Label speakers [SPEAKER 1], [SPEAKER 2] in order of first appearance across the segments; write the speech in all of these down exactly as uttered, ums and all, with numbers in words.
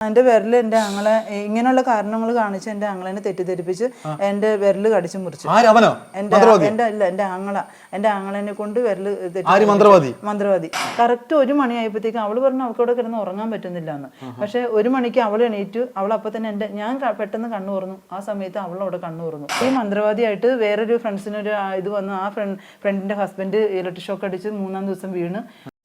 [SPEAKER 1] എന്റെ വിരല് എന്റെ ആങ്ങളെ ഇങ്ങനെയുള്ള കാരണങ്ങൾ കാണിച്ച് എന്റെ ആങ്ങളെനെ തെറ്റിദ്ധരിപ്പിച്ച് എന്റെ വിരല് കടിച്ചു മുറിച്ചു. എന്റെ എന്റെ അല്ല എന്റെ ആങ്ങള എന്റെ ആങ്ങളെനെ കൊണ്ട് വിരല്
[SPEAKER 2] മന്ത്രവാദി
[SPEAKER 1] മന്ത്രവാദി കറക്റ്റ് ഒരു മണിയായപ്പോഴത്തേക്കും അവള് പറഞ്ഞു അവൾക്ക് അവിടെ കിടന്ന് ഉറങ്ങാൻ പറ്റുന്നില്ല എന്ന്. പക്ഷെ ഒരു മണിക്ക് അവൾ എണീറ്റു. അവൾ അപ്പൊ തന്നെ എന്റെ ഞാൻ പെട്ടെന്ന് കണ്ണു തുറന്നു. ആ സമയത്ത് അവൾ അവിടെ കണ്ണു തുറന്നു. ഈ മന്ത്രവാദിയായിട്ട് വേറൊരു ഫ്രണ്ട്സിനൊരു ഇത് വന്നു. ആ ഫ്രണ്ട് ഫ്രണ്ടിന്റെ ഹസ്ബൻഡ് ഇലക്ട്രിക് ഷോക്ക് അടിച്ച് മൂന്നാം ദിവസം വീണ്.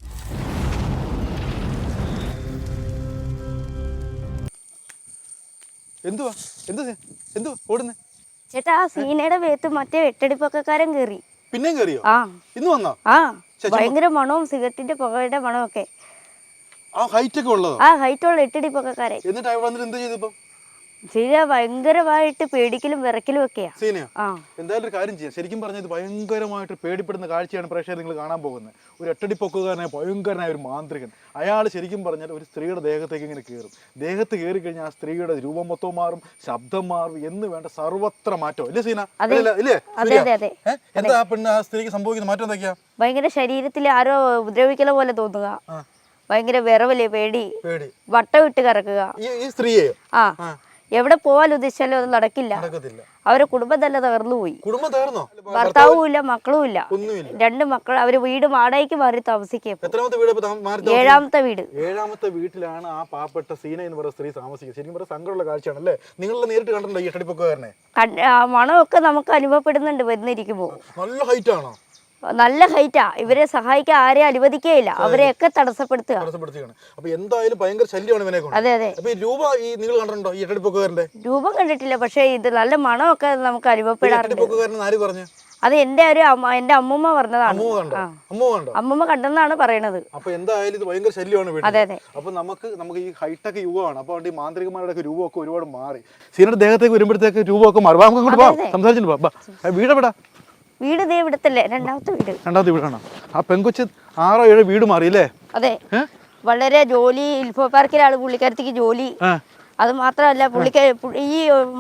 [SPEAKER 2] എന്തുവാ എന്ത് എന്തുവാ ഓടുന്നേ
[SPEAKER 3] ചേട്ടാ? ആ സീനയുടെ വേത്ത് മറ്റേ എട്ടടിപ്പൊക്കക്കാരൻ കേറി.
[SPEAKER 2] പിന്നെ കേറിയോ?
[SPEAKER 3] ആ
[SPEAKER 2] ഇന്ന് വന്നോ?
[SPEAKER 3] ആ ഭയങ്കര മണവും സിഗരറ്റിന്റെ പുകയുടെ മണമൊക്കെ.
[SPEAKER 2] ആ ഹൈറ്റ് ഒക്കെ ഉള്ളതോ?
[SPEAKER 3] ആ ഹൈറ്റ് ഉള്ള എട്ടടിപ്പൊക്കക്കാരൻ.
[SPEAKER 2] എന്നിട്ട് അവിടെ വന്നിട്ട് എന്ത് ചെയ്തു?
[SPEAKER 3] സീന ഭയങ്കരമായിട്ട് പേടിക്കലും വിറക്കലും ഒക്കെയാ.
[SPEAKER 2] സീനയോ? എന്തായാലും ഒരു കാര്യം ചെയ്യാം. ശരിക്കും പറഞ്ഞത് ഭയങ്കരമായിട്ട് പേടിപ്പെടുന്ന കാഴ്ചയാണ് പ്രേക്ഷകർ നിങ്ങൾ കാണാൻ പോകുന്നത്. ഒരു എട്ടടി പൊക്കുകാരനായ ഭയങ്കരനായ ഒരു മാന്ത്രികൻ. അയാൾ ശരിക്കും പറഞ്ഞാൽ ഒരു സ്ത്രീയുടെ ദേഹത്തേക്ക് ഇങ്ങനെ കയറും. ദേഹത്ത് കയറി കഴിഞ്ഞാൽ ആ സ്ത്രീയുടെ രൂപം മൊത്തം മാറും, ശബ്ദം മാറും, എന്ന് വേണ്ട സർവത്ര മാറ്റം. ഇല്ലേ സീന? ഇല്ലേ? എന്താ ആ പെണ്ണ് ആ സ്ത്രീക്ക് സംഭവിക്കുന്ന മാറ്റം എന്തൊക്കെയാ?
[SPEAKER 3] ഭയങ്കര ശരീരത്തിൽ ആരോ ഉപദ്രവിക്കല പോലെ തോന്നുക, ഭയങ്കര വിറവല്, പേടി, വട്ടം ഇട്ട് കറക്കുക.
[SPEAKER 2] ഈ സ്ത്രീയെ
[SPEAKER 3] ആ എവിടെ പോവാൻ ഉദ്ദേശിച്ചാലും അത് നടക്കില്ല. അവരെ കുടുംബം തന്നെ തകർന്നു പോയി. ഭർത്താവും ഇല്ല, മക്കളും ഇല്ല. രണ്ട് മക്കൾ. അവര് വീട് വാടകയ്ക്ക് മാറി താമസിക്കും. ഏഴാമത്തെ വീട്.
[SPEAKER 2] ഏഴാമത്തെ വീട്ടിലാണ് ആ പാവപ്പെട്ട സീന എന്ന് പറയുന്ന സ്ത്രീ താമസിക്കുന്നത്. ശരിക്കും പറഞ്ഞ സങ്കടമുള്ള കാഴ്ചയാണ് അല്ലേ? നിങ്ങൾ നേരിട്ട് കണ്ടിട്ടുണ്ടോ ഈ എട്ടടിപ്പൊക്കുകാരനെ?
[SPEAKER 3] മണമൊക്കെ നമുക്ക് അനുഭവപ്പെടുന്നുണ്ട് വരുന്നിരിക്കുമ്പോ.
[SPEAKER 2] നല്ല ഹൈറ്റ് ആണോ?
[SPEAKER 3] നല്ല ഹൈറ്റാ. ഇവരെ സഹായിക്കാൻ ആരെയും അനുവദിക്കുകയില്ല. അവരെയൊക്കെ തടസ്സപ്പെടുത്തുക.
[SPEAKER 2] അപ്പൊ എന്തായാലും ഭയങ്കര ശല്യമാണ് ഇവനെ കൊണ്ട്.
[SPEAKER 3] അതെ അതെ.
[SPEAKER 2] രൂപം നിങ്ങൾ കണ്ടിട്ടുണ്ടോ ഈ എട്ടടിപ്പൊക്കുകാരന്റെ?
[SPEAKER 3] രൂപം കണ്ടിട്ടില്ല, പക്ഷെ ഇത് നല്ല മണമൊക്കെ നമുക്ക് അനുഭവപ്പെടാറുണ്ട്. അത് എന്റെ ഒരു എന്റെ അമ്മൂമ്മ പറഞ്ഞതാണ്. അമ്മൂമ്മ കണ്ടെന്നാണ് പറയണത്.
[SPEAKER 2] അപ്പൊ എന്തായാലും ഇത് ഭയങ്കര ശല്യമാണ്. അതെ അതെ. അപ്പൊ നമുക്ക് നമുക്ക് ഈ ഹൈടെക് യുഗമാണ്. അപ്പൊ ഈ മാന്ത്രികന്മാരുടെ രൂപമൊക്കെ ഒരുപാട് മാറി. സീനയുടെ ദേഹത്തേക്ക് വരുമ്പോഴത്തേക്ക് രൂപമൊക്കെ മാറി. സംസാരിച്ചിട്ട് വീടെവിടാ?
[SPEAKER 3] വീട് ദേ ഇവിടത്തല്ലേ, രണ്ടാമത്തെ വീട്.
[SPEAKER 2] രണ്ടാമത്തെ വീടാണ്. ആ പെങ്കൊച്ച് ആറോ ഏഴോ വീട് മാറിയില്ലേ?
[SPEAKER 3] അതെ. വളരെ ജോലി, ഇൽഫോ പാർക്കിലാണ് പുള്ളിക്കാരത്തേക്ക് ജോലി. അത് മാത്രമല്ല പുള്ളിക്ക് ഈ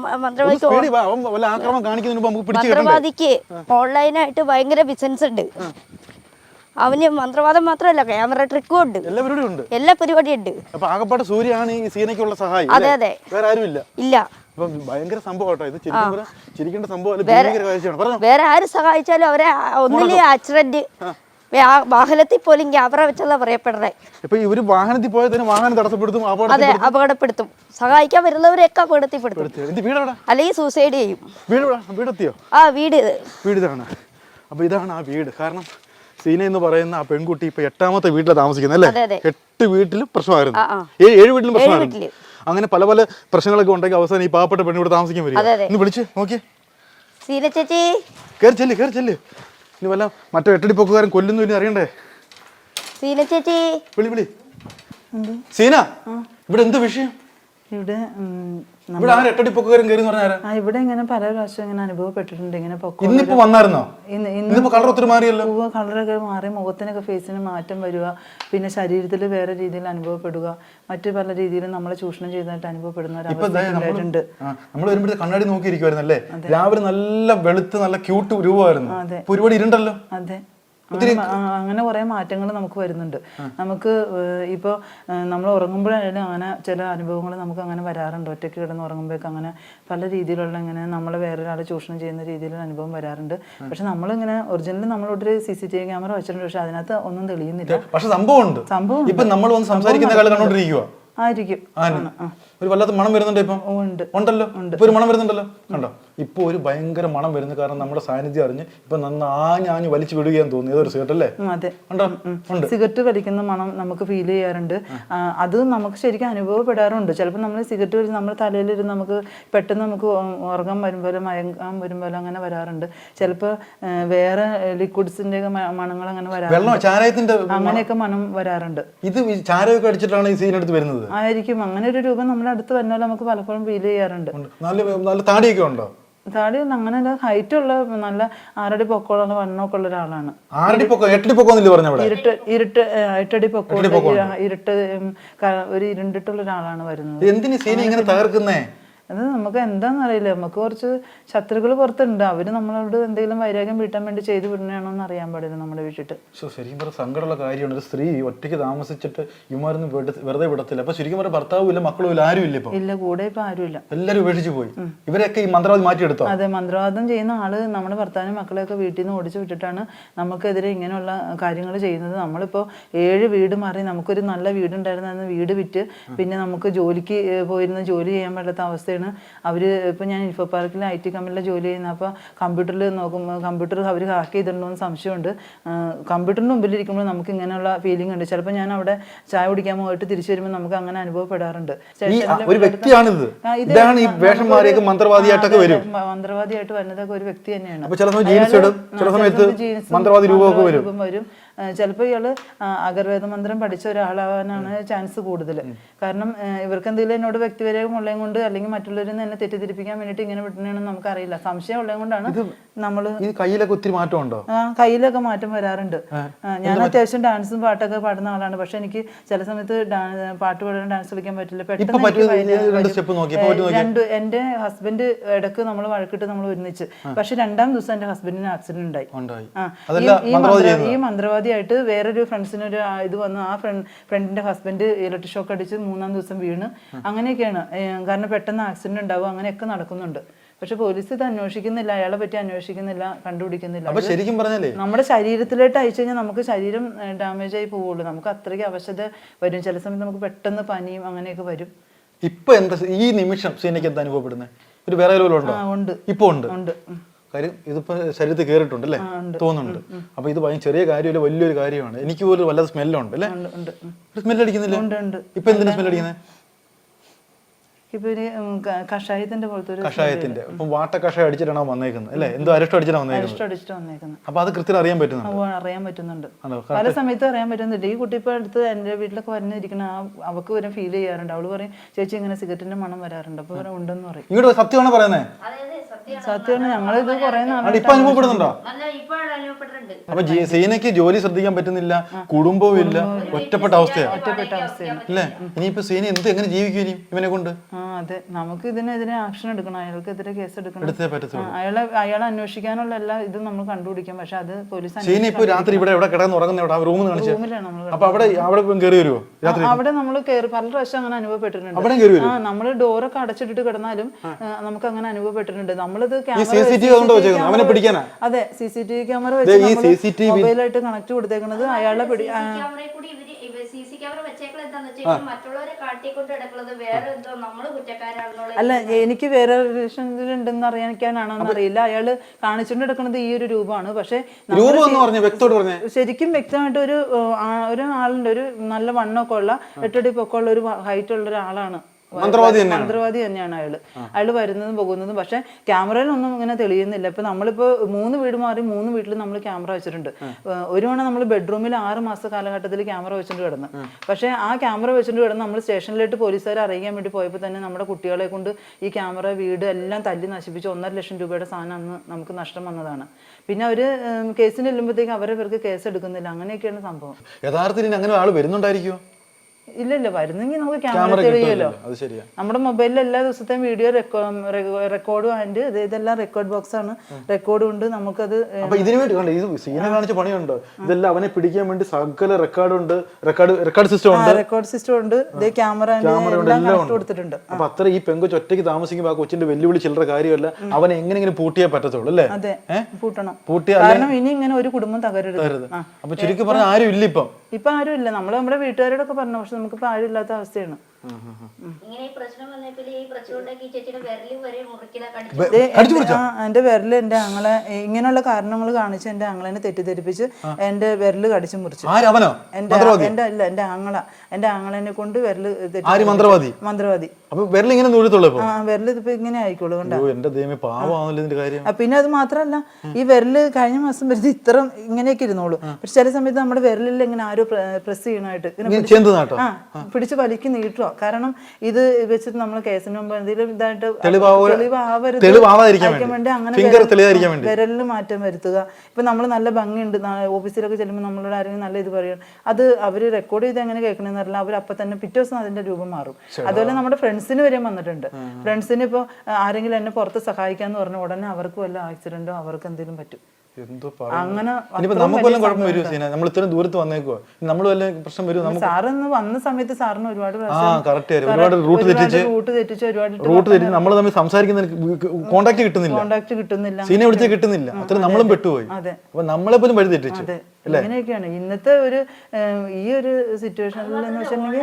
[SPEAKER 3] മന്ത്രവാദിക്ക് ഓൺലൈനായിട്ട് ഭയങ്കര ബിസിനസ് ഉണ്ട്. അവന് മന്ത്രവാദം മാത്രമല്ല, ക്യാമറ ട്രിക്കും ഉണ്ട്, എല്ലാ പരിപാടിയും ഉണ്ട്. അതെ അതെ. ഇല്ല,
[SPEAKER 2] ഭയങ്കര സംഭവം.
[SPEAKER 3] വേറെ ആര് സഹായിച്ചാലും അവരെ ഒന്നിലെ ആക്സിഡന്റ്, വാഹനത്തിൽ പോലും ക്യാമറ വെച്ചല്ല പറയപ്പെടുന്നത്.
[SPEAKER 2] വാഹനത്തിൽ പോയാൽ തന്നെ വാഹനം തടസ്സപ്പെടുത്തും.
[SPEAKER 3] അതെ, അപകടപ്പെടുത്തും. സഹായിക്കാൻ വരുന്നവരെയൊക്കെ അപകടത്തിൽപ്പെടുത്തും, അല്ലെങ്കിൽ സൂസൈഡ് ചെയ്യും.
[SPEAKER 2] വീടെത്തിയോ?
[SPEAKER 3] ആ വീട്
[SPEAKER 2] വീട് ഇതാണ്. അപ്പൊ ഇതാണ് ആ വീട്. കാരണം സീന എന്ന് പറയുന്ന ആ പെൺകുട്ടി ഇപ്പൊ എട്ടാമത്തെ വീട്ടിലാണ് താമസിക്കുന്നത് അല്ലേ? എട്ട് വീട്ടിലും പ്രശ്നമായിരുന്നു, ഏഴ് വീട്ടിലും പ്രശ്നമായിരുന്നു. അങ്ങനെ പല പല പ്രശ്നങ്ങളൊക്കെ ഉണ്ടെങ്കിൽ അവസാനം ഈ പാവപ്പെട്ട പെണ്ണ് ഇവിടെ താമസിക്കാൻ വരും. ഇന്ന് വിളിച്ച് നോക്കിയേ.
[SPEAKER 3] സീന ചേച്ചി
[SPEAKER 2] കയറി ചെല്ല്, കയറി ചെല്ല്. ഇനി വല്ല മറ്റേ എട്ടടിപ്പൊക്കുകാരൻ കൊല്ലുന്നു ഇനി അറിയണ്ടേ?
[SPEAKER 3] സീന ചേച്ചി
[SPEAKER 2] വിളി വിളി. സീന, ഇവിടെ എന്ത് വിഷയം?
[SPEAKER 1] ഇവിടെ
[SPEAKER 2] ഇവിടെ ആര് എട്ടടിപ്പൊക്കുകാരൻ കയറി പറഞ്ഞാരാ?
[SPEAKER 1] ആ ഇവിടെ ഇങ്ങനെ പല പ്രാവശ്യം ഇങ്ങനെ അനുഭവപ്പെട്ടിട്ടുണ്ട്. ഇങ്ങനെ
[SPEAKER 2] ഇന്നിപ്പോ വന്നായിരുന്നോ? ഇന്നിപ്പോ കളർ ഒത്തിരി മാറിയല്ലോ.
[SPEAKER 1] കളറൊക്കെ മാറി, മുഖത്തിനൊക്കെ ഫേസിന് മാറ്റം വരിക, പിന്നെ ശരീരത്തിൽ വേറെ രീതിയിൽ അനുഭവപ്പെടുക, മറ്റു പല രീതിയിലും നമ്മളെ ചൂഷണം ചെയ്തതായിട്ട് അനുഭവപ്പെടുന്നവരുണ്ട്.
[SPEAKER 2] നമ്മൾ വരുമ്പോഴത്തെ കണ്ണാടി നോക്കിയിരിക്കുവായിരുന്നല്ലേ? രാവിലെ നല്ല വെളുത്ത് നല്ല ക്യൂട്ട് രൂപമായിരുന്നു. ഒരുപാട് ഇരുണ്ടല്ലോ.
[SPEAKER 1] അതെ, അങ്ങനെ കുറെ മാറ്റങ്ങൾ നമുക്ക് വരുന്നുണ്ട്. നമുക്ക് ഇപ്പോൾ നമ്മൾ ഉറങ്ങുമ്പോഴായാലും അങ്ങനെ ചില അനുഭവങ്ങൾ നമുക്ക് അങ്ങനെ വരാറുണ്ട്. ഒറ്റയ്ക്ക് കിടന്ന് ഉറങ്ങുമ്പോഴേക്ക് അങ്ങനെ പല രീതിയിലുള്ള ഇങ്ങനെ നമ്മളെ വേറൊരാളെ ചൂഷണം ചെയ്യുന്ന രീതിയിലുള്ള അനുഭവം വരാറുണ്ട്. പക്ഷെ നമ്മളിങ്ങനെ ഒറിജിനലി നമ്മളോട്ടൊരു C C T V camera വെച്ചിട്ടുണ്ട്, പക്ഷെ അതിനകത്ത് ഒന്നും തെളിയുന്നില്ല.
[SPEAKER 2] പക്ഷെ സംഭവം സംഭവം ഇപ്പൊ നമ്മൾ വന്ന് സംസാരിക്കുന്ന കാലം കണ്ടോണ്ടിരിക്കുക
[SPEAKER 1] ആയിരിക്കും.
[SPEAKER 2] ഒരു വല്ലാത്ത മണം വരുന്നുണ്ട്. ഇപ്പം ഉണ്ടല്ലോ, ഇപ്പൊ ഒരു മണം വരുന്നുണ്ടല്ലോ. കണ്ടോ, ഇപ്പൊ ഒരു ഭയങ്കര മണം വരുന്നു. കാരണം നമ്മുടെ സാന്നിധ്യം അറിഞ്ഞ് ഇപ്പൊ നന്നാഞ്ഞാഞ്ഞ് വലിച്ചു വിടുകയെന്ന് തോന്നി. ഏതൊരു സിഗരറ്റ് അല്ലേ?
[SPEAKER 1] അതെ, സിഗരറ്റ് വലിക്കുന്ന മണം നമുക്ക് ഫീൽ ചെയ്യാറുണ്ട്. അത് നമുക്ക് ശരിക്കും അനുഭവപ്പെടാറുണ്ട്. ചിലപ്പോൾ നമ്മൾ സിഗരറ്റ് വലിച്ച് നമ്മുടെ തലയിലിരുന്ന് നമുക്ക് പെട്ടെന്ന് നമുക്ക് ഉറങ്ങാൻ വരുമ്പോൾ മയങ്ങാൻ വരുമ്പോൾ അങ്ങനെ വരാറുണ്ട്. ചിലപ്പോൾ വേറെ ലിക്വിഡ്സിന്റെ മണങ്ങൾ അങ്ങനെ വരാറുണ്ട്. അങ്ങനെയൊക്കെ മണം വരാറുണ്ട്.
[SPEAKER 2] ഇത് ചാരമൊക്കെ അടിച്ചിട്ടാണ് ഈ സീനെടുത്ത് വരുന്നത്
[SPEAKER 1] ആയിരിക്കും. അങ്ങനെ ഒരു രൂപം നമ്മുടെ അടുത്ത് വന്നാൽ നമുക്ക് പലപ്പോഴും ഫീൽ ചെയ്യാറുണ്ട്.
[SPEAKER 2] നല്ല താടിയൊക്കെ ഉണ്ടോ?
[SPEAKER 1] താടി അങ്ങനെ ഹൈറ്റ് ഉള്ള നല്ല ആറടി പൊക്കമുള്ള വണ്ണമൊക്കെ ഉള്ള ഒരാളാണ്.
[SPEAKER 2] ഇരുട്ട്
[SPEAKER 1] ഇരുട്ട് എട്ടടി പൊക്കോ ഇരുട്ട് ഒരു ഇരുണ്ടിട്ടുള്ള ഒരാളാണ് വരുന്നത്.
[SPEAKER 2] എന്തിനു സീന ഇങ്ങനെ തകർക്കുന്നേ?
[SPEAKER 1] അത് നമുക്ക് എന്താണെന്ന് അറിയില്ല. നമുക്ക് കുറച്ച് ശത്രുക്കൾ പുറത്തുണ്ട്, അവർ നമ്മളോട് എന്തെങ്കിലും വൈരാഗ്യം വീട്ടാൻ വേണ്ടി ചെയ്തു വിടണയാണോ എന്ന് അറിയാൻ പാടില്ല നമ്മുടെ വീട്ടിട്ട്.
[SPEAKER 2] ശരിക്കും പറഞ്ഞ സങ്കടമുള്ള കാര്യമാണ്. ഒരു സ്ത്രീ ഒറ്റയ്ക്ക് താമസിച്ചിട്ട് ഇമാരൊന്നും വെറുതെ വിടത്തില്ല. അപ്പൊ ശരിക്കും പറഞ്ഞ ഭർത്താവും ഇല്ല, മക്കളും ഇല്ല, ആരും ഇല്ല. ഇപ്പൊ
[SPEAKER 1] ഇല്ല, കൂടെ ഇപ്പൊ ആരും ഇല്ല,
[SPEAKER 2] എല്ലാരും ഉപേക്ഷിച്ച് പോയി. ഇവരൊക്കെ ഈ മന്ത്രവാദി മാറ്റിയെടുത്തോ?
[SPEAKER 1] അതെ, മന്ത്രവാദം ചെയ്യുന്ന ആള് നമ്മുടെ ഭർത്താവിനും മക്കളെയൊക്കെ വീട്ടിൽ നിന്ന് ഓടിച്ചു വിട്ടിട്ടാണ് നമുക്കെതിരെ ഇങ്ങനെയുള്ള കാര്യങ്ങൾ ചെയ്യുന്നത്. നമ്മളിപ്പോ ഏഴ് വീട് മാറി നമുക്കൊരു നല്ല വീടുണ്ടായിരുന്ന വീട് വിറ്റ് പിന്നെ നമുക്ക് ജോലിക്ക് പോയിരുന്ന ജോലി ചെയ്യാൻ പറ്റാത്ത അവസ്ഥയാണ്. അവര് ഇപ്പൊ ഞാൻ ഇൻഫോ പാർക്കിൽ ഐ ടി കമ്പനിയിലെ ജോലി ചെയ്യുന്ന, അപ്പൊ കമ്പ്യൂട്ടറിൽ നോക്കുമ്പോൾ കമ്പ്യൂട്ടർ അവർ ഹാക്ക് ചെയ്തിട്ടുണ്ടോ എന്ന് സംശയമുണ്ട്. കമ്പ്യൂട്ടറിന് മുമ്പിലിരിക്കുമ്പോൾ നമുക്ക് ഇങ്ങനെയുള്ള ഫീലിംഗ് ഉണ്ട്. ചിലപ്പോൾ ഞാൻ അവിടെ ചായ കുടിക്കാൻ പോയിട്ട് തിരിച്ചു വരുമ്പോൾ നമുക്ക് അങ്ങനെ അനുഭവപ്പെടാറുണ്ട്.
[SPEAKER 2] ഒരു വ്യക്തിയാണിത്, മന്ത്രവാദിയായിട്ടൊക്കെ വരും.
[SPEAKER 1] മന്ത്രവാദിയായിട്ട് വരുന്നതൊക്കെ ഒരു വ്യക്തി തന്നെയാണ്. രൂപം വരും. ചിലപ്പോൾ ഇയാള് അഗർവേദ മന്ത്രം പഠിച്ച ഒരാളാവാനാണ് ചാൻസ് കൂടുതൽ. കാരണം ഇവർക്ക് എന്തെങ്കിലും എന്നോട് വ്യക്തിപരം ഉള്ളതും കൊണ്ട് അല്ലെങ്കിൽ മറ്റുള്ളവരിൽ നിന്ന് എന്നെ തെറ്റിദ്ധരിപ്പിക്കാൻ വേണ്ടിയിട്ട് ഇങ്ങനെ വിട്ടണെന്ന് നമുക്കറിയില്ല. സംശയം ഉള്ളത് കൊണ്ടാണ് നമ്മള്.
[SPEAKER 2] കയ്യിലൊക്കെ ഒത്തിരി മാറ്റം ഉണ്ടോ?
[SPEAKER 1] ആ, കയ്യിലൊക്കെ മാറ്റം വരാറുണ്ട്. ഞാൻ അത്യാവശ്യം ഡാൻസും പാട്ടൊക്കെ പാടുന്ന ആളാണ്. പക്ഷെ എനിക്ക് ചില സമയത്ത് പാട്ട് പാടാൻ ഡാൻസ് കളിക്കാൻ പറ്റില്ല. പെട്ടെന്ന് രണ്ട് എന്റെ ഹസ്ബൻഡ് ഇടക്ക് നമ്മൾ വഴക്കിട്ട് നമ്മൾ ഒരുമിച്ച്, പക്ഷെ രണ്ടാം ദിവസം എന്റെ ഹസ്ബൻഡിന് ആക്സിഡന്റ് ഉണ്ടായി. ഈ മന്ത്രവാദി ആയിട്ട് വേറൊരു ഫ്രണ്ട്സിന് ഒരു ഇത് വന്നു. ആ ഫ്രണ്ട് ഫ്രണ്ടിന്റെ ഹസ്ബൻഡ് ഇലക്ട്രിക് ഷോക്ക് അടിച്ച് മൂന്നാം ദിവസം വീണ്. അങ്ങനെയൊക്കെയാണ്. കാരണം പെട്ടെന്ന് ആക്സിഡന്റ് ഉണ്ടാവും, അങ്ങനെയൊക്കെ നടക്കുന്നുണ്ട്. പക്ഷെ പോലീസ് ഇത് അന്വേഷിക്കുന്നില്ല, അയാളെ പറ്റി അന്വേഷിക്കുന്നില്ല, കണ്ടുപിടിക്കുന്നില്ല.
[SPEAKER 2] ശരിക്കും പറഞ്ഞാലേ
[SPEAKER 1] നമ്മുടെ ശരീരത്തിലോട്ട് അയച്ചു കഴിഞ്ഞാൽ നമുക്ക് ശരീരം ഡാമേജ് ആയി പോവുള്ളൂ. നമുക്ക് അത്രയ്ക്ക് അവശത വരും. ചില സമയത്ത് നമുക്ക് പെട്ടെന്ന് പനിയും അങ്ങനെയൊക്കെ വരും.
[SPEAKER 2] ഇപ്പൊ എന്താ ഈ നിമിഷം സീനയ്ക്ക് എന്താ അനുഭവപ്പെടുന്നത്? ഒരു വേറെ ഉണ്ട്, ഇപ്പൊ ഉണ്ട് ഉണ്ട് കാര്യം ഇതിപ്പോ ശരീരത്തിൽ കയറിയിട്ടുണ്ട് അല്ലേ, തോന്നുന്നുണ്ട്. അപ്പൊ ഇത് ഭയങ്കര ചെറിയ കാര്യമല്ല, വലിയൊരു കാര്യമാണ്. എനിക്ക് പോലും വല്ലാതെ സ്മെല്ലുണ്ട് അല്ലേ? സ്മെല്ല് അടിക്കുന്നില്ല. ഇപ്പൊ എന്തിനാ സ്മെല്ല് അടിക്കുന്നത്?
[SPEAKER 1] ഇപ്പൊ ഒരു കഷായത്തിന്റെ പോലത്തെ ഒരു
[SPEAKER 2] കഷായത്തിന്റെ ഇപ്പൊ വാട്ട കഷായം അടിച്ചിട്ടാണോ വന്നേക്കുന്നത് അല്ലേ? എന്തോ അരിഷ്ടം അടിച്ചിട്ടാണ് വന്നേക്കുന്നത്. അപ്പൊ അത് കൃത്യം അറിയാൻ പറ്റുന്നുണ്ട്.
[SPEAKER 1] അറിയാൻ പറ്റുന്നുണ്ട്, പല സമയത്തും അറിയാൻ പറ്റുന്നുണ്ട്. ഈ കുട്ടി ഇപ്പൊ അടുത്ത് എന്റെ വീട്ടിലൊക്കെ വരുന്നിരിക്കണ അവക്ക് വരെ ഫീൽ ചെയ്യാറുണ്ട്. അവള് പറയും ചേച്ചി ഇങ്ങനെ സിഗരറ്റിന്റെ മണം വരാറുണ്ട്. അപ്പൊ വരെ ഉണ്ടെന്ന് പറയും.
[SPEAKER 2] ഇങ്ങോട്ട് സത്യമാണോ പറയുന്നത്?
[SPEAKER 1] സത്യമാണ്. ഞങ്ങളിത് കുറെ
[SPEAKER 2] ഇപ്പൊ അനുഭവപ്പെടുന്നുണ്ടോ? അപ്പൊ സീനയ്ക്ക് ജോലി ശ്രദ്ധിക്കാൻ പറ്റുന്നില്ല, കുടുംബവും ഇല്ല, ഒറ്റപ്പെട്ട അവസ്ഥയാണ്.
[SPEAKER 1] ഒറ്റപ്പെട്ട അവസ്ഥയാണ്
[SPEAKER 2] അല്ലേ? ഇനിയിപ്പോ സീന എന്ത് എങ്ങനെ ജീവിക്കും ഇനി ഇവനെ കൊണ്ട്?
[SPEAKER 1] അതെ, നമുക്ക് ഇതിനെതിരെ ആക്ഷൻ എടുക്കണം, അയാൾക്കെതിരെ കേസ് എടുക്കണം. അയാളെ അയാളെ അന്വേഷിക്കാനുള്ള എല്ലാ ഇതും നമ്മൾ കണ്ടുപിടിക്കാം. പക്ഷെ അത് പോലീസ്
[SPEAKER 2] രാത്രി ഇവിടെ എവിടെ കിടന്ന് ഉറങ്ങുന്ന റൂമിലാണ് നമ്മൾ. അപ്പൊ അവിടെ അവിടെ കയറി വരുമോ?
[SPEAKER 1] അവിടെ നമ്മൾ കയറി പല പ്രാവശ്യം അങ്ങനെ അനുഭവപ്പെട്ടിട്ടുണ്ട്. ആ, നമ്മള് ഡോറൊക്കെ അടച്ചിട്ടിട്ട് കിടന്നാലും നമുക്ക് അങ്ങനെ അനുഭവപ്പെട്ടിട്ടുണ്ട്. നമ്മളിത് അതെ C C T V camera വെച്ച് മൊബൈലായിട്ട് കണക്ട് കൊടുത്തേക്കുന്നത് അയാളെ പിടി. അല്ല, എനിക്ക് വേറെ റിലേഷനിലുണ്ടെന്ന് അറിയാനാണോ അറിയില്ല. അയാള് കാണിച്ചുകൊണ്ട് എടുക്കുന്നത് ഈ ഒരു രൂപമാണ്. പക്ഷെ ശരിക്കും വ്യക്തമായിട്ട് ഒരു ഒരാളുണ്ട്, ഒരു നല്ല വണ്ണമൊക്കെ ഉള്ള എട്ടടി പൊക്കമുള്ള ഒരു ഹൈറ്റ് ഉള്ള ഒരാളാണ്. മന്ത്രവാദി തന്നെയാണ് അയാള്. അയാള് വരുന്നതും പോകുന്നതും. പക്ഷെ ക്യാമറയിലൊന്നും ഇങ്ങനെ തെളിയുന്നില്ല. ഇപ്പൊ നമ്മളിപ്പോ മൂന്ന് വീട് മാറി മൂന്ന് വീട്ടിൽ നമ്മൾ ക്യാമറ വെച്ചിട്ടുണ്ട്. ഒരു തവണ നമ്മൾ ബെഡ്റൂമിൽ ആറ് മാസ കാലഘട്ടത്തിൽ ക്യാമറ വെച്ചിട്ട് കിടന്നു. പക്ഷെ ആ ക്യാമറ വെച്ചിട്ട് കിടന്ന് നമ്മൾ സ്റ്റേഷനിലേക്ക് പോലീസുകാരെ അറിയിക്കാൻ വേണ്ടി പോയപ്പോൾ തന്നെ നമ്മുടെ കുട്ടികളെ കൊണ്ട് ഈ ക്യാമറ വീട് എല്ലാം തല്ലി നശിപ്പിച്ച് ഒന്നര ലക്ഷം രൂപയുടെ സാധനം അന്ന് നമുക്ക് നഷ്ടം വന്നതാണ്. പിന്നെ അവര് കേസിന് ചെല്ലുമ്പോഴത്തേക്ക് അവരെ പേർക്ക് കേസ് എടുക്കുന്നില്ല. അങ്ങനെയൊക്കെയാണ് സംഭവം.
[SPEAKER 2] യഥാർത്ഥത്തിൽ അങ്ങനെ ആൾ വരുന്നുണ്ടായിരിക്കുമോ?
[SPEAKER 1] ഇല്ല ഇല്ല, വരുന്നെങ്കിൽ നമുക്ക് ക്യാമറ തെളിയുമല്ലോ. നമ്മുടെ മൊബൈലിൽ എല്ലാ ദിവസത്തെയും വീഡിയോ റെക്കോർഡും ആൻഡ് ഇതെല്ലാം റെക്കോർഡ് ബോക്സ് ആണ്, റെക്കോർഡും ഉണ്ട്. നമുക്കത്
[SPEAKER 2] ഇതിനു വേണ്ടി ഇത് സീന കാണിച്ച പണിയുണ്ട്. ഇതെല്ലാം അവനെ പിടിക്കാൻ വേണ്ടി സകല റെക്കോർഡുണ്ട്, റെക്കോർഡ് റെക്കോർഡ് സിസ്റ്റം ഉണ്ട്,
[SPEAKER 1] റെക്കോർഡ് സിസ്റ്റം ഉണ്ട്. ഇതേ ക്യാമറ കൊടുത്തിട്ടുണ്ട്.
[SPEAKER 2] അപ്പൊ അത്ര ഈ പെങ്കൊച്ച് ഒറ്റയ്ക്ക് താമസിക്കുമ്പോൾ ആ കൊച്ചിന്റെ വെല്ലുവിളി ചില്ലറ കാര്യമല്ല. അവനെ എങ്ങനെങ്കിലും പൂട്ടിയേ പറ്റത്തുള്ളൂ അല്ലേ?
[SPEAKER 1] അതെ, പൂട്ടണം. പൂട്ടിയ കാരണം ഇനി ഇങ്ങനെ ഒരു കുടുംബം തകരരുത്.
[SPEAKER 2] അപ്പൊ ചുരുക്കി പറഞ്ഞാൽ ആരും ഇല്ല ഇപ്പം.
[SPEAKER 1] ഇപ്പൊ ആരും ഇല്ല. നമ്മള് നമ്മുടെ വീട്ടുകാരോടൊക്കെ പറഞ്ഞു, പക്ഷെ നമുക്കിപ്പോ ആരും ഇല്ലാത്ത അവസ്ഥയാണ്. എന്റെ വിരല് എന്റെ ആങ്ങളെ ഇങ്ങനെയുള്ള കാരണങ്ങൾ കാണിച്ച് എന്റെ ആങ്ങളെനെ തെറ്റിദ്ധരിപ്പിച്ച് എന്റെ വിരല് കടിച്ചു മുറിച്ചു. എന്റെ എന്റെ അല്ല എന്റെ ആങ്ങള എന്റെ ആങ്ങളെനെ കൊണ്ട് വിരല്
[SPEAKER 2] മന്ത്രവാദി
[SPEAKER 1] മന്ത്രവാദി
[SPEAKER 2] ആ
[SPEAKER 1] വിരല് ഇതിപ്പോ ഇങ്ങനെ ആയിക്കോളൂ.
[SPEAKER 2] കണ്ടോ?
[SPEAKER 1] പിന്നെ അത് മാത്രല്ല, ഈ വിരല് കഴിഞ്ഞ മാസം വരുന്നത് ഇത്ര ഇങ്ങനെയൊക്കെ ഇരുന്നോളൂ. പക്ഷെ ചില സമയത്ത് നമ്മുടെ വിരലിൽ ഇങ്ങനെ ആരോ പ്രസ് ചെയ്യണായിട്ട് ആ പിടിച്ച് വലിക്ക് നീട്ടുക. കാരണം ഇത് വെച്ചിട്ട് നമ്മൾ കേസിന് എന്തെങ്കിലും ഇതായിട്ട്
[SPEAKER 2] തെളിവാവ-
[SPEAKER 1] തെളിവാവരുത്
[SPEAKER 2] തെളിവാവാതിരിക്കാൻ
[SPEAKER 1] ആയിരിക്കാൻ വേണ്ടി അങ്ങനെ
[SPEAKER 2] ഫിംഗർ തെളിയാതിരിക്കാൻ വേണ്ടി
[SPEAKER 1] വിരലിന് മാറ്റം വരുത്തുക. ഇപ്പൊ നമ്മൾ നല്ല ഭംഗിയുണ്ട് ഓഫീസിലൊക്കെ ചെല്ലുമ്പോൾ നമ്മളോട് ആരെങ്കിലും നല്ല ഇത് പറയും, അത് അവര് റെക്കോർഡ് ചെയ്ത് എങ്ങനെ കേൾക്കണമെന്ന് പറഞ്ഞാൽ അവർ അപ്പൊ തന്നെ പിറ്റേ ദിവസം അതിന്റെ രൂപം മാറും. അതുപോലെ നമ്മുടെ ഫ്രണ്ട്സിന് വരെ വന്നിട്ടുണ്ട്. ഫ്രണ്ട്സിന് ഇപ്പോൾ ആരെങ്കിലും എന്നെ പുറത്ത് സഹായിക്കാന്ന് പറഞ്ഞ ഉടനെ അവർക്ക് വല്ല ആക്സിഡന്റോ അവർക്ക് എന്തെങ്കിലും പറ്റും.
[SPEAKER 2] എന്തോ
[SPEAKER 1] അങ്ങനെ
[SPEAKER 2] ഇനിയിപ്പോ നമുക്ക് വല്ലതും കുഴപ്പം വരുമോ സീന? നമ്മൾ ഇത്രയും ദൂരത്ത് വന്നേക്കുവാ, നമ്മൾ വല്ല പ്രശ്നം വരുമോ? നമുക്ക്
[SPEAKER 1] സാറിന്ന് വന്ന സമയത്ത് സാറിന് ഒരുപാട്
[SPEAKER 2] ആ കറക്റ്റ് ആയിരുന്നു, ഒരുപാട് റൂട്ട് തെറ്റിച്ച്
[SPEAKER 1] റൂട്ട് തെറ്റിച്ച് ഒരുപാട്
[SPEAKER 2] റൂട്ട് തെറ്റിച്ച് നമ്മൾ തമ്മിൽ സംസാരിക്കുന്ന കോണ്ടാക്ട് കിട്ടുന്നില്ല,
[SPEAKER 1] കോണ്ടാക്ട് കിട്ടുന്നില്ല,
[SPEAKER 2] സീനെ വിളിച്ച് കിട്ടുന്നില്ല. അത്ര നമ്മളും പെട്ടുപോയി.
[SPEAKER 1] അതെ,
[SPEAKER 2] അപ്പൊ നമ്മളെ പോലും വഴി തെറ്റിച്ചു.
[SPEAKER 1] ഇങ്ങനെയൊക്കെയാണ് ഇന്നത്തെ ഒരു ഈ ഒരു സിറ്റുവേഷനിൽ എന്ന് വെച്ചിട്ടുണ്ടെങ്കിൽ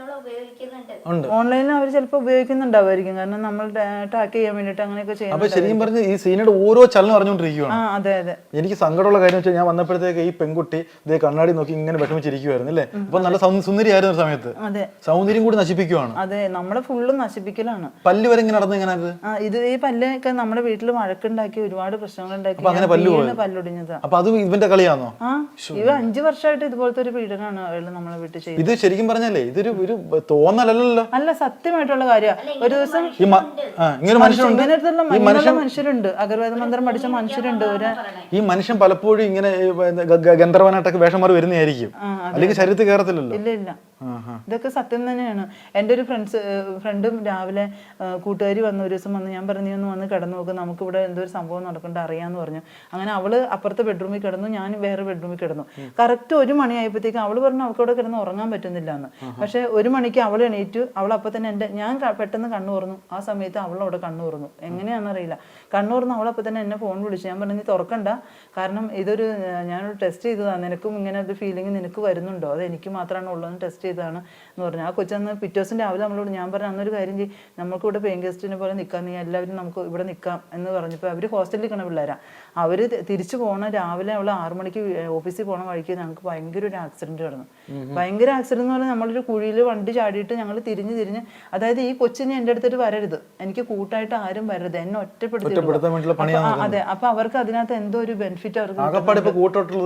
[SPEAKER 1] ഓൺലൈനിൽ അവർ ചിലപ്പോൾ ഉപയോഗിക്കുന്നുണ്ടാവുമായിരിക്കും. കാരണം നമ്മൾ ടാക്ക് ചെയ്യാൻ വേണ്ടിട്ട് അങ്ങനെയൊക്കെ ചെയ്യാം.
[SPEAKER 2] അപ്പൊ ശരിക്കും പറഞ്ഞ ഈ സീനയുടെ ഓരോ ചലനം അറിഞ്ഞുകൊണ്ടിരിക്കുകയാണ്.
[SPEAKER 1] ആ അതെ അതെ.
[SPEAKER 2] എനിക്ക് സങ്കടമുള്ള കാര്യം വെച്ചാൽ ഞാൻ വന്നപ്പോഴത്തേക്ക് ഈ പെൺകുട്ടി ഇതേ കണ്ണാടി നോക്കി ഇങ്ങനെ വിഷമിച്ചിരിക്കുവായിരുന്നു അല്ലേ. അപ്പൊ നല്ല സുന്ദരിയായിരുന്ന സമയത്ത്
[SPEAKER 1] അതെ
[SPEAKER 2] സൗന്ദര്യം കൂടി നശിപ്പിക്കുവാണ്.
[SPEAKER 1] അതെ, നമ്മളെ ഫുള്ളും നശിപ്പിക്കലാണ്.
[SPEAKER 2] പല്ല് വരെ ഇങ്ങനെ നടന്നു ഇങ്ങനെ
[SPEAKER 1] ഇത് ഈ പല്ലൊക്കെ നമ്മുടെ വീട്ടിൽ വഴക്കുണ്ടാക്കി ഒരുപാട് പ്രശ്നങ്ങൾ ഉണ്ടാക്കി പല്ലൊടിഞ്ഞതാ.
[SPEAKER 2] അപ്പൊ അത് ഇവന്റെ കളിയാണോ?
[SPEAKER 1] ആ ഇവ അഞ്ചു വർഷമായിട്ട് ഇതുപോലത്തെ ഒരു പീഡനമാണ് അയാൾ നമ്മളെ വീട്ടിൽ ചെയ്യുന്നത്.
[SPEAKER 2] ഇത് ശരിക്കും പറഞ്ഞാലേ ഇതൊരു ഒരു തോന്നലല്ലോ,
[SPEAKER 1] അല്ല സത്യമായിട്ടുള്ള കാര്യമാണ്. ഒരു ദിവസം
[SPEAKER 2] ഇങ്ങനെ മനുഷ്യരുണ്ട്,
[SPEAKER 1] ഇങ്ങനെയുള്ള മനുഷ്യരുണ്ട്, അഗർവേദ മന്ത്രം പഠിച്ച മനുഷ്യരുണ്ട്. ഒരു
[SPEAKER 2] ഈ മനുഷ്യൻ പലപ്പോഴും ഇങ്ങനെ ഗന്ധർവനായിട്ടൊക്കെ വേഷം മാറി വരുന്നതായിരിക്കും, അല്ലെങ്കിൽ ശരീരത്തിൽ കയറത്തില്ലല്ലോ.
[SPEAKER 1] ഇല്ല ഇല്ല, ഇതൊക്കെ സത്യം തന്നെയാണ്. എൻ്റെ ഒരു ഫ്രണ്ട്സ് ഫ്രണ്ടും രാവിലെ കൂട്ടുകാരി വന്ന ഒരു ദിവസം വന്ന് ഞാൻ പറഞ്ഞു, നീ ഒന്ന് വന്ന് കിടന്നു നോക്ക്, നമുക്കിവിടെ എന്തോ ഒരു സംഭവം നടക്കണ്ട അറിയാന്ന് പറഞ്ഞു. അങ്ങനെ അവള് അപ്പുറത്തെ ബെഡ്റൂമിൽ കിടന്നു, ഞാൻ വേറെ ബെഡ്റൂമിൽ കിടന്നു. കറക്റ്റ് ഒരു മണി ആയപ്പോഴത്തേക്ക് അവള് പറഞ്ഞു അവൾക്ക് അവിടെ കിടന്ന് ഉറങ്ങാൻ പറ്റുന്നില്ല എന്ന്. പക്ഷെ ഒരു മണിക്ക് അവൾ എണീറ്റു. അവൾ അപ്പൊ തന്നെ എൻ്റെ ഞാൻ പെട്ടെന്ന് കണ്ണു തുറന്നു. ആ സമയത്ത് അവളവിടെ കണ്ണു തുറന്നു, എങ്ങനെയാണെന്നറിയില്ല. കണ്ണു തുറന്നു അവളപ്പോൾ തന്നെ എന്നെ ഫോൺ വിളിച്ചു. ഞാൻ പറഞ്ഞു, നീ തുറക്കണ്ട, കാരണം ഇതൊരു ഞാനൊരു ടെസ്റ്റ് ചെയ്തതാണ്, നിനക്കും ഇങ്ങനെ ഒരു ഫീലിംഗ് നിനക്ക് വരുന്നുണ്ടോ, അത് എനിക്ക് മാത്രമാണ് ഉള്ളതെന്ന് ടെസ്റ്റ് ചെയ്തതാണ് എന്ന് പറഞ്ഞു. ആ കൊച്ചന്ന് പിറ്റേ ദിവസം രാവിലെ നമ്മളോട് ഞാൻ പറഞ്ഞു, അന്നൊരു കാര്യം ചെയ്യും, നമുക്ക് ഇവിടെ പെയിൻ ഗസ്റ്റിനെ പോലെ നിൽക്കാം, നീ എല്ലാവരും നമുക്ക് ഇവിടെ നിൽക്കാം എന്ന് പറഞ്ഞപ്പോൾ അവർ ഹോസ്റ്റലിൽ നിൽക്കണ പിള്ളേരാ. അവർ തിരിച്ചു പോകണ രാവിലെ അവൾ ആറു മണിക്ക് ഓഫീസിൽ പോകണ വഴിക്ക് ഞങ്ങൾക്ക് ഭയങ്കര ഒരു ആക്സിഡന്റ് നടന്നു. ഭയങ്കര ആക്സിഡന്റ് എന്ന് പറഞ്ഞാൽ നമ്മളൊരു കുഴിയിൽ വണ്ടി ചാടിയിട്ട് ഞങ്ങൾ തിരിഞ്ഞ് തിരിഞ്ഞ്, അതായത് ഈ കൊച്ചിനെ എൻ്റെ അടുത്തിട്ട് വരരുത്, എനിക്ക് കൂട്ടായിട്ട് ആരും വരരുത്, എന്നെ ഒറ്റപ്പെടുത്തി. അതെ, അപ്പൊ അവർക്ക് അതിനകത്ത് എന്തോ ഒരു ബെനിഫിറ്റ് അവർക്ക്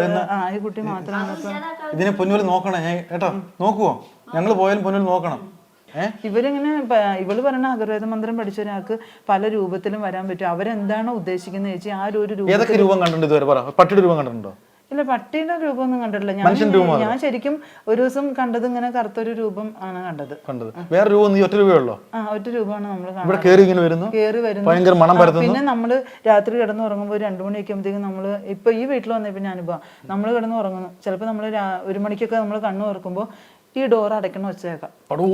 [SPEAKER 1] ഈ കുട്ടി മാത്രമാണ്.
[SPEAKER 2] ഇതിനെ പൊന്നുപോലെ നോക്കണേ കേട്ടോ, നോക്കുവോ? ഞങ്ങൾ പോയാലും പൊന്നുപോലെ നോക്കണം.
[SPEAKER 1] ഇവരിങ്ങനെ ഇവള് പറഞ്ഞ അഗർവേദ മന്ത്രം പഠിച്ച ഒരാൾക്ക് പല രൂപത്തിലും വരാൻ പറ്റും. അവരെന്താണോ ഉദ്ദേശിക്കുന്നത് ചേച്ചി ആ ഒരു
[SPEAKER 2] രൂപം കണ്ടിട്ടുണ്ടോ? പട്ടിയുടെ രൂപം കണ്ടിട്ടുണ്ടോ?
[SPEAKER 1] ഇല്ല, പട്ടിയുടെ രൂപമൊന്നും കണ്ടിട്ടില്ല. ഞാൻ ഞാൻ ശരിക്കും ഒരു ദിവസം കണ്ടത് ഇങ്ങനെ കറുത്തൊരു രൂപം ആണ് കണ്ടത്. കണ്ടത്
[SPEAKER 2] വേറെ രൂപം ഒറ്റ രൂപയുള്ളൂ. ആ
[SPEAKER 1] ഒറ്റ രൂപമാണ് നമ്മൾ
[SPEAKER 2] കാണുന്നത്. കേറി വരുന്നു.
[SPEAKER 1] പിന്നെ നമ്മള് രാത്രി കിടന്ന് ഉറങ്ങുമ്പോൾ ഒരു രണ്ടു മണിയൊക്കെ ആകുമ്പോഴത്തേക്കും നമ്മള് ഇപ്പൊ ഈ വീട്ടിൽ വന്ന പിന്നെ അനുഭവം, നമ്മള് കിടന്ന് ഉറങ്ങുന്നു, ചിലപ്പോ നമ്മള് ഒരു മണിക്കൊക്കെ നമ്മൾ കണ്ണു തുറക്കുമ്പോ ഈ ഡോർ അടയ്ക്കണ വെച്ചേക്കാം.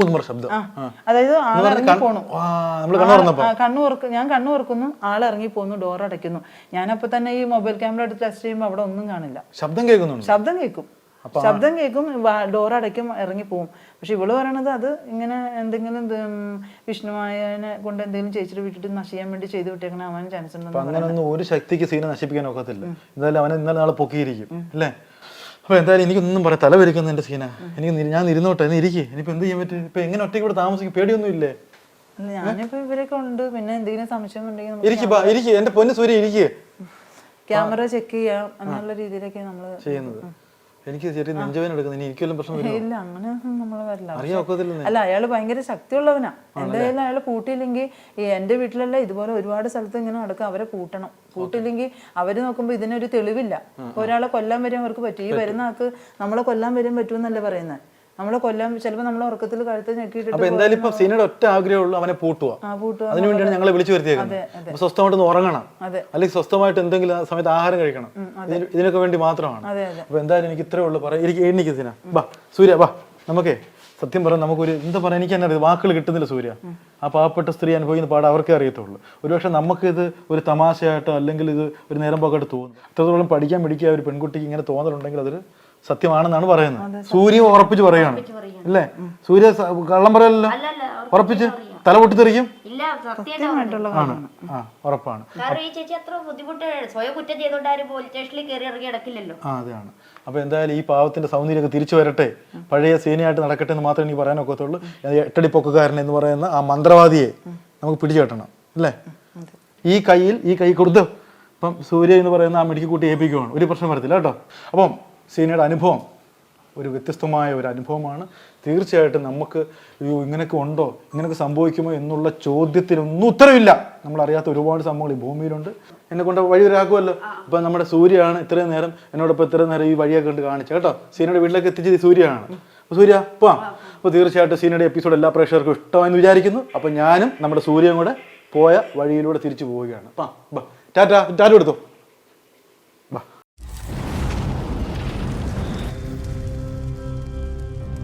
[SPEAKER 1] അതായത് ആളിറങ്ങി പോണു, കണ്ണു തുറക്കും, ഞാൻ കണ്ണു തുറക്കുന്നു, ആളിറങ്ങി പോന്നു, ഡോർ അടയ്ക്കുന്നു. ഞാനപ്പോ തന്നെ ഈ മൊബൈൽ ക്യാമറ എടുത്ത് ടെസ്റ്റ് ചെയ്യുമ്പോൾ അവിടെ ഒന്നും കാണില്ല.
[SPEAKER 2] ശബ്ദം കേൾക്കുന്നു,
[SPEAKER 1] ശബ്ദം കേൾക്കും ശബ്ദം കേൾക്കും ഡോർ അടയ്ക്കും, ഇറങ്ങി പോവും. പക്ഷെ ഇവള് പറയണത് അത് ഇങ്ങനെ എന്തെങ്കിലും വിഷ്ണുവായനെ കൊണ്ട് എന്തെങ്കിലും ചേച്ചിയുടെ വീട്ടിൽ നശിക്കാൻ വേണ്ടി ചെയ്തു വിട്ടേക്കണ അവൻ ചാൻസ് ഉണ്ടെന്ന്.
[SPEAKER 2] അങ്ങനെയൊന്നും ഒരു ശക്തിക്ക് സീനെ നശിപ്പിക്കാൻ ഒക്കത്തില്ല. എന്തായാലും അവനെ ഇന്നലെ നാളെ പൊക്കിയിരിക്കും അല്ലേ. അപ്പൊ എന്തായാലും എനിക്കൊന്നും പറയാം, തല വരിക്കുന്ന എന്റെ സീന. എനിക്ക് ഞാൻ ഇരുന്നോട്ടെ, എന്ന് ഇരിക്കേ. ഇനിയിപ്പോ എന്ത് ചെയ്യാൻ പറ്റും? ഇപ്പൊ എങ്ങനെ ഒറ്റയ്ക്ക് ഇവിടെ താമസിക്കും? പേടിയൊന്നും ഇല്ലേ?
[SPEAKER 1] ഞാനിപ്പോ ഇവരൊക്കെ ഉണ്ട്, പിന്നെ എന്തെങ്കിലും സംശയം ഉണ്ടെങ്കിൽ
[SPEAKER 2] ഇരിക്കും. എന്റെ പൊന്ന് സൂര്യ ഇരിക്കേ,
[SPEAKER 1] ക്യാമറ ചെക്ക് ചെയ്യാം എന്നുള്ള രീതിയിലൊക്കെ നമ്മള്
[SPEAKER 2] ചെയ്യുന്നത്. എനിക്ക് ചെറിയ നെഞ്ചവേദന എടുക്കുന്നത്, ഇനി എനിക്കെല്ലാം പ്രശ്നം
[SPEAKER 1] ഇല്ല, അങ്ങനെ നമ്മള് വരില്ല. അല്ല, അയാള് ഭയങ്കര ശക്തിയുള്ളവനാ. എന്തായാലും അയാള് കൂട്ടിയില്ലെങ്കിൽ എന്റെ വീട്ടിലല്ല ഇതുപോലെ ഒരുപാട് സ്ഥലത്ത് ഇങ്ങനെ നടക്കും. അവരെ കൂട്ടണം. കൂട്ടില്ലെങ്കിൽ അവര് നോക്കുമ്പോ ഇതിനൊരു തെളിവില്ല. ഒരാളെ കൊല്ലാൻ വരാൻ അവർക്ക് പറ്റും. ഈ വരുന്ന ആൾക്ക് നമ്മളെ കൊല്ലാൻ വരാൻ പറ്റുമെന്നല്ലേ പറയുന്നത്. നമ്മളെ കൊല്ലാൻ ചിലപ്പോ നമ്മളെ ഉറക്കത്തിൽ കഴുത്ത് ഞെക്കിയിട്ട്.
[SPEAKER 2] എന്തായാലും ഇപ്പൊ സീനയുടെ ഒറ്റ ആഗ്രഹമുള്ളൂ അവനെ പൂട്ടുക. അതിനുവേണ്ടിയാണ് ഞങ്ങളെ വിളിച്ചു വരുത്തിയേക്കുന്നത്. സ്വസ്ഥമായിട്ട് ഉറങ്ങണം, അല്ലെങ്കിൽ സ്വസ്ഥമായിട്ട് എന്തെങ്കിലും സമയത്ത് ആഹാരം കഴിക്കണം. ഇതിനൊക്കെ വേണ്ടി മാത്രമാണ്. അപ്പൊ എന്തായാലും എനിക്ക് ഇത്രേ ഉള്ളൂ പറയാം. എനിക്ക് എണ്ണിക്ക് സീന, ബാ സൂര്യ ബാ. നമുക്കേ സത്യം പറയാം, നമുക്കൊരു എന്താ പറയാ, എനിക്ക് തന്നെ വാക്കുകൾ കിട്ടുന്നില്ല സൂര്യ. ആ പാവപ്പെട്ട സ്ത്രീ അനുഭവിക്കുന്ന പാട് അവർക്കേ അറിയത്തുള്ളൂ. ഒരുപക്ഷെ നമുക്കിത് ഒരു തമാശയായിട്ടോ അല്ലെങ്കിൽ ഇത് ഒരു നേരം പോക്കായിട്ട് തോന്നും. അത്രത്തോളം പഠിക്കാൻ പിടിക്കുക ഒരു പെൺകുട്ടിക്ക് ഇങ്ങനെ തോന്നലുണ്ടെങ്കിൽ അതൊരു സത്യമാണെന്നാണ് പറയുന്നത്. സൂര്യ ഉറപ്പിച്ച് പറയാണ് അല്ലേ? സൂര്യ കള്ളം പറയല്ലോ, ഉറപ്പിച്ച് തല പൊട്ടിത്തെറിക്കും. ഉറപ്പാണ്. അതാണ്. അപ്പൊ എന്തായാലും ഈ പാവത്തിന്റെ സൗന്ദര്യമൊക്കെ തിരിച്ചു വരട്ടെ, പഴയ സീനയായിട്ട് നടക്കട്ടെ എന്ന് മാത്രമേ എനിക്ക് പറയാനൊക്കത്തുള്ളൂ. എട്ടടി പൊക്കുകാരൻ എന്ന് പറയുന്ന ആ മന്ത്രവാദിയെ നമുക്ക് പിടിച്ചു കെട്ടണം അല്ലേ? ഈ കയ്യിൽ ഈ കൈ കൊടുത്ത് ഇപ്പം സൂര്യ എന്ന് പറയുന്ന ആ മിടിക്ക് കൂട്ടി ഏൽപ്പിക്കുവാണ്, ഒരു പ്രശ്നം വരത്തില്ല കേട്ടോ. അപ്പം സീനയുടെ അനുഭവം ഒരു വ്യത്യസ്തമായ ഒരു അനുഭവമാണ്. തീർച്ചയായിട്ടും നമുക്ക് അയ്യോ ഇങ്ങനെയൊക്കെ ഉണ്ടോ, ഇങ്ങനെയൊക്കെ സംഭവിക്കുമോ എന്നുള്ള ചോദ്യത്തിനൊന്നും ഉത്തരവില്ല. നമ്മളറിയാത്ത ഒരുപാട് സംഭവങ്ങൾ ഈ ഭൂമിയിലുണ്ട്. എന്നെ കൊണ്ട് വഴി ഒരാക്കുമല്ലോ. അപ്പം നമ്മുടെ സൂര്യയാണ് ഇത്രയും നേരം എന്നോടൊപ്പം ഇത്രയും നേരം ഈ വഴിയൊക്കെ കണ്ട് കാണിച്ചത് കേട്ടോ. സീനയുടെ വീട്ടിലേക്ക് എത്തിച്ചത് സൂര്യയാണ്. അപ്പോൾ സൂര്യ പോവാം. അപ്പോൾ തീർച്ചയായിട്ടും സീനയുടെ എപ്പിസോഡ് എല്ലാ പ്രേക്ഷകർക്കും ഇഷ്ടമായെന്ന് വിചാരിക്കുന്നു. അപ്പം ഞാനും നമ്മുടെ സൂര്യയും കൂടെ പോയ വഴിയിലൂടെ തിരിച്ചു പോവുകയാണ്. അപ്പം ടാറ്റ ടാറ്റ എടുത്തോ.